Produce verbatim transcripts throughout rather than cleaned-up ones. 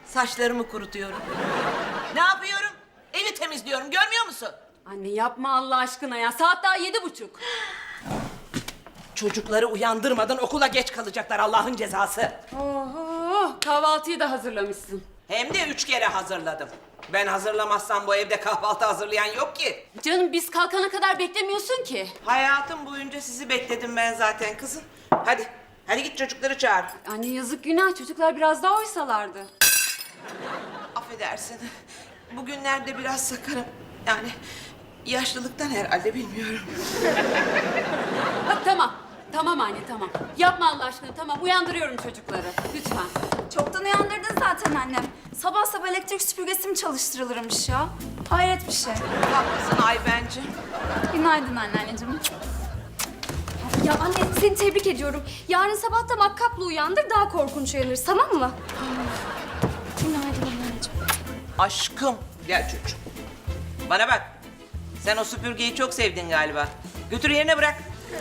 Saçlarımı kurutuyorum. Ne yapıyorum? Evi temizliyorum, görmüyor musun? Anne yapma Allah aşkına ya. Saat daha yedi buçuk. Çocukları uyandırmadan okula geç kalacaklar, Allah'ın cezası. Oho, kahvaltıyı da hazırlamışsın. Hem de üç kere hazırladım. Ben hazırlamazsam bu evde kahvaltı hazırlayan yok ki. Canım biz kalkana kadar beklemiyorsun ki. Hayatım boyunca sizi bekledim ben zaten kızım. Hadi, hadi git çocukları çağır. Anne yazık günah, çocuklar biraz daha oysalardı. Affedersin. Bugünlerde biraz sakarım. Yani yaşlılıktan herhalde, bilmiyorum. Bak tamam, tamam anne tamam. Yapma Allah aşkına, tamam uyandırıyorum çocukları. Lütfen. Çoktan uyandırdın zaten annem. Sabah sabah elektrik süpürgesi mi çalıştırılırmış ya? Hayret bir şey. Haklısın Aybencim. Günaydın anneanneciğim. Ya anne seni tebrik ediyorum. Yarın sabah da makkapla uyandır, daha korkunç uyanırız, tamam mı? Günaydın anneciğim. Aşkım. Gel çocuğum. Bana bak. Sen o süpürgeyi çok sevdin galiba. Götür yerine bırak.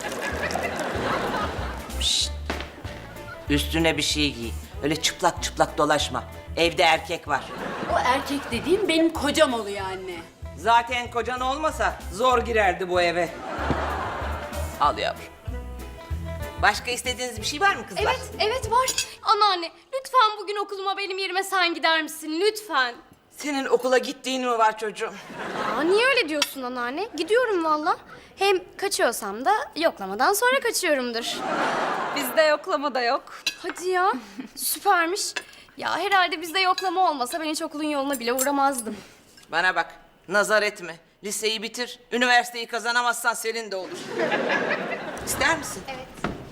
Şşt. Üstüne bir şey giy. Öyle çıplak çıplak dolaşma. Evde erkek var. O erkek dediğim benim kocam oluyor anne. Zaten kocan olmasa zor girerdi bu eve. Al yavrum. Başka istediğiniz bir şey var mı kızlar? Evet, evet var. Anneanne, lütfen bugün okuluma benim yerime sen gider misin? Lütfen. Senin okula gittiğin mi var çocuğum? Aa, niye öyle diyorsun anneanne? Gidiyorum valla. Hem kaçıyorsam da yoklamadan sonra kaçıyorumdur. Bizde yoklama da yok. Hadi ya, süpermiş. Ya herhalde bizde yoklama olmasa ben hiç okulun yoluna bile uğramazdım. Bana bak, nazar etme. Liseyi bitir, üniversiteyi kazanamazsan senin de olur. İster misin? Evet.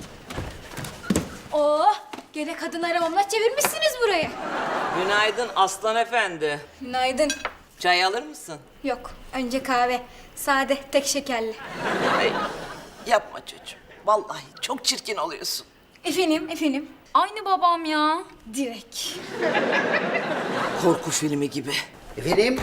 Oh, gene kadın aramamla çevirmişsiniz burayı. Günaydın Aslan Efendi. Günaydın. Çay alır mısın? Yok, önce kahve. Sade, tek şekerli. Ay, yapma çocuğum. Vallahi çok çirkin oluyorsun. Efendim, efendim. Aynı babam ya. Direkt. Korku filmi gibi. Efendim?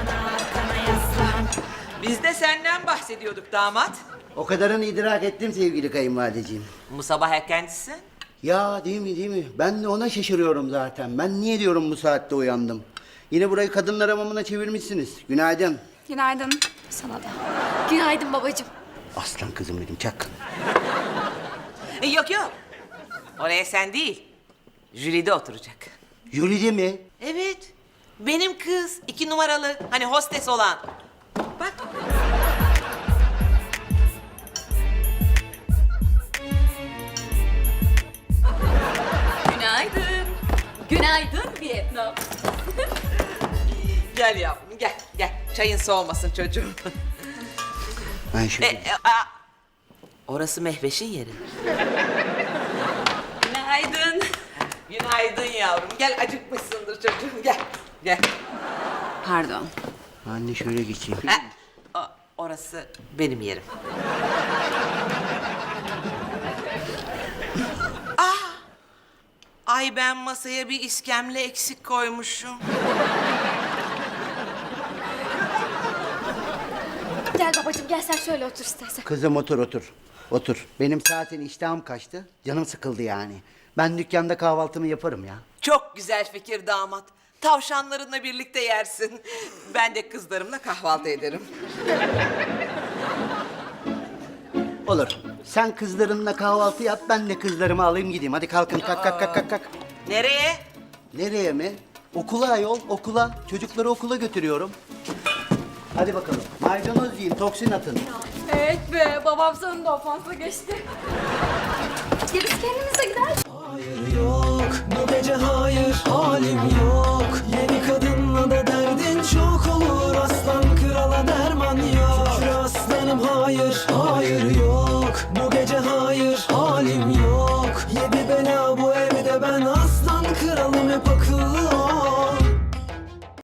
Biz de senden bahsediyorduk damat. O kadarını idrak ettim sevgili kayınvalideciğim. Bu sabah erkencisin. Ya değil mi değil mi? Ben de ona şaşırıyorum zaten. Ben niye diyorum bu saatte uyandım? Yine burayı kadınlar hamamına çevirmişsiniz. Günaydın. Günaydın. Sana da. Günaydın babacığım. Aslan kızım benim çak. E, yok yok. Oraya sen değil. Jülide oturacak. Jülide mi? Evet. Benim kız. iki numaralı. Hani hostes olan. Bak. Günaydın. Günaydın Vietnam. Gel yavrum gel gel. Çayın soğumasın çocuğum. Ben e, şöyle... e, a- Orası Mehveş'in yeri. Günaydın. Günaydın yavrum. Gel acıkmışsındır çocuğum. Gel. Gel. Pardon. Anne şöyle geçeyim. Ha, o- orası benim yerim. Ah! Ay ben masaya bir iskemle eksik koymuşum. Gel babacığım, gel sen şöyle otur istersen. Kızım otur otur. Otur. Benim zaten iştahım kaçtı. Canım sıkıldı yani. Ben dükkanda kahvaltımı yaparım ya. Çok güzel fikir damat. Tavşanlarınla birlikte yersin. Ben de kızlarımla kahvaltı ederim. Olur. Sen kızlarınla kahvaltı yap, ben de kızlarımı alayım gideyim. Hadi kalkın, kalk kalk kalk kalk. kalk. Nereye? Nereye mi? Okula ayol, okula. Çocukları okula götürüyorum. Hadi bakalım. Maydanoz yiyin, toksin atın. Evet be, babam sonunda ofansa geçti. Gerisi kendimize gider. Hayır yok, bu gece hayır, halim yok. Yeni kadınla da derdin çok olur, aslan krala derman yok. Şükür aslanım hayır, hayır yok. Bu